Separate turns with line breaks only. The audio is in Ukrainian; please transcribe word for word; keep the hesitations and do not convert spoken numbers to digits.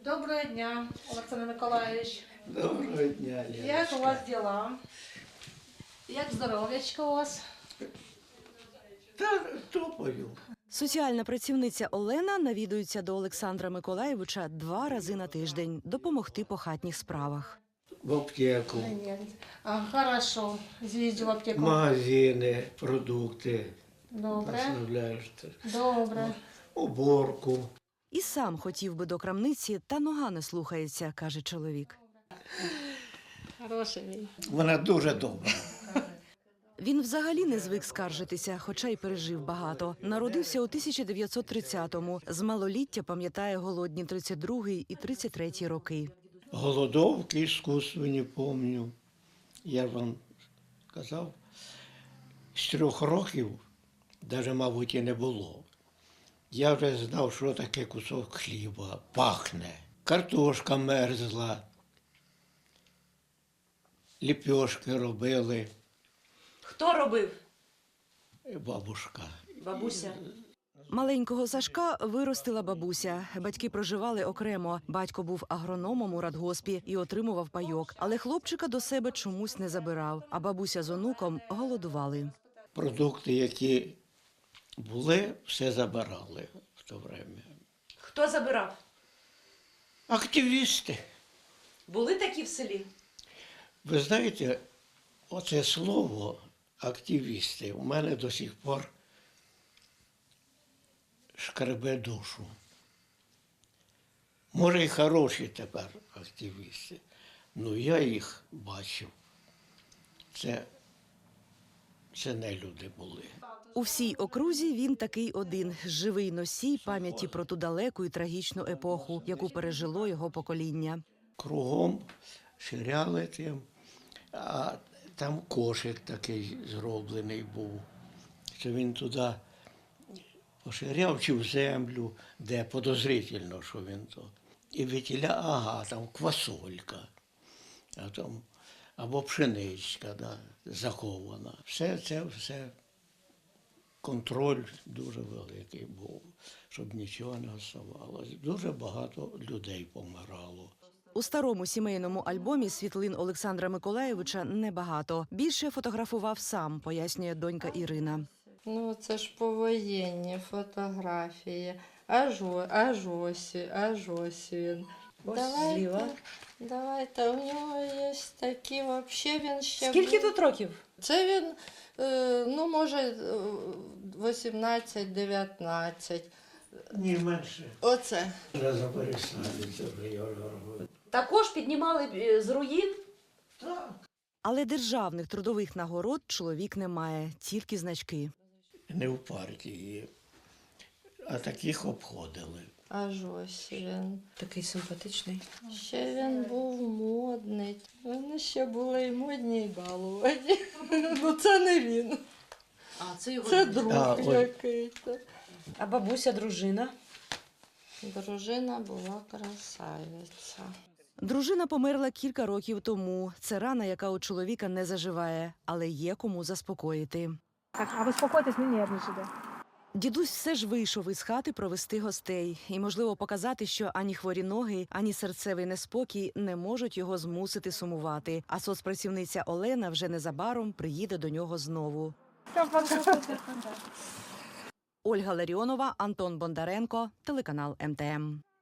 Доброго дня, Олександр Миколаївич.
Доброго дня, Леночка.
Як у вас діла? Як здоров'ячко у вас?
Та топаю.
Соціальна працівниця Олена навідується до Олександра Миколаєвича два рази на тиждень допомогти по хатніх справах.
В аптеку,
А, хорошо, з'їздю в аптеку.
магазини, продукти.
Добре,
Наставляєш,
добре.
уборку.
І сам хотів би до крамниці, та нога не слухається, каже чоловік.
Хороший він.
Вона дуже добра.
Він взагалі не звик скаржитися, хоча й пережив багато. Народився у тисяча дев'ятсот тридцятому. З малоліття пам'ятає голодні тридцять другий і тридцять третій роки.
Голодовки іскусственні пам'ятаю. Я вам казав, з трьох років, навіть, мабуть, і не було. Я вже знав, що таке кусок хліба, пахне. Картошка мерзла, ліпьошки робили.
Хто робив?
Бабушка.
Бабуся.
Маленького Сашка виростила бабуся. Батьки проживали окремо. Батько був агрономом у радгоспі і отримував пайок. Але хлопчика до себе чомусь не забирав, а бабуся з онуком голодували.
Продукти, які були, все забирали в то время.
Хто забирав?
Активісти.
Були такі в селі?
Ви знаєте, оце слово активісти у мене до сих пор шкребе душу. Може, і хороші тепер активісти, але я їх бачив. Це, це не люди були.
У всій окрузі він такий один – живий носій пам'яті про ту далеку і трагічну епоху, яку пережило його покоління.
Кругом ширяли тим, а там кошик такий зроблений був, що він туди поширяв чи в землю, де подозрительно, що він то. І вітіля, ага, там квасолька, а там, або пшеничка, да, захована. Все це, все, контроль дуже великий був, щоб нічого не оставалось. Дуже багато людей помирало.
У старому сімейному альбомі світлин Олександра Миколаєвича небагато. Більше фотографував сам, пояснює донька Ірина.
Ну, це ж повоєнні фотографії. Аж, о- аж ось, аж ось він.
Ось
Давайте,
зліва.
давайте, у нього є такі, взагалі він ще...
Скільки
був.
тут років?
Це він, е, ну, може, вісімнадцять-дев'ятнадцять.
Ні, менше.
Оце.
Вже заперестали, це вже я говорю.
Також піднімали е, з руїн?
Так.
Але державних трудових нагород чоловік не має, тільки значки.
Не в партії, а таких обходили.
Аж ось він.
Такий симпатичний.
Ще він був модний. Вони ще були і модні, і балувані. Ну, це не він.
А, це його
Це
друг.
друг
А, ой.
який-то.
А бабуся, дружина?
Дружина була красавиця.
Дружина померла кілька років тому. Це рана, яка у чоловіка не заживає, але є кому заспокоїти.
Так, а ви спокойтесь, не нервничайте.
Дідусь все ж вийшов із хати провести гостей і, можливо, показати, що ані хворі ноги, ані серцевий неспокій не можуть його змусити сумувати. А соцпрацівниця Олена вже незабаром приїде до нього знову. Ольга Ларіонова, Антон Бондаренко, телеканал Ем Те Ем.